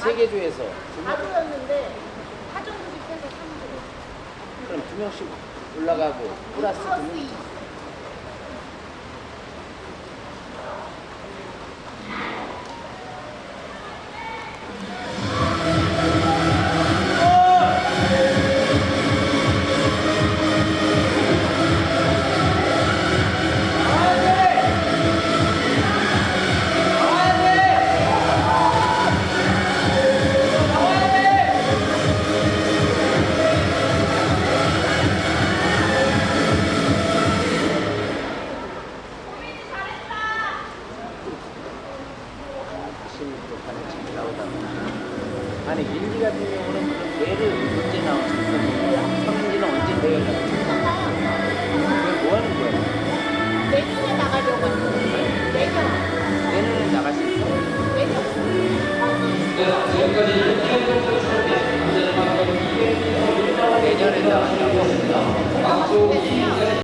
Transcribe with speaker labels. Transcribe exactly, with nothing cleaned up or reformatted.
Speaker 1: 세계조에서 두 명,
Speaker 2: 하루였는데 하정국이 빼서 삼 주.
Speaker 1: 그럼 두 명씩 올라가고 플러스 두
Speaker 2: 플러스
Speaker 1: 명.
Speaker 2: 이.
Speaker 1: 다시 또 반에 잘 나오다가 아니 민지 같은 경우는 그럼 내를 언제 나오지? 성민지는 언제 내를 나오지? 그걸 뭐 하는 거야?
Speaker 2: 내년에 나가려고 하는 내년.
Speaker 1: 내년에 나갈 수 있어?
Speaker 2: 내년.
Speaker 1: 내년에 나간다고?
Speaker 2: 내년.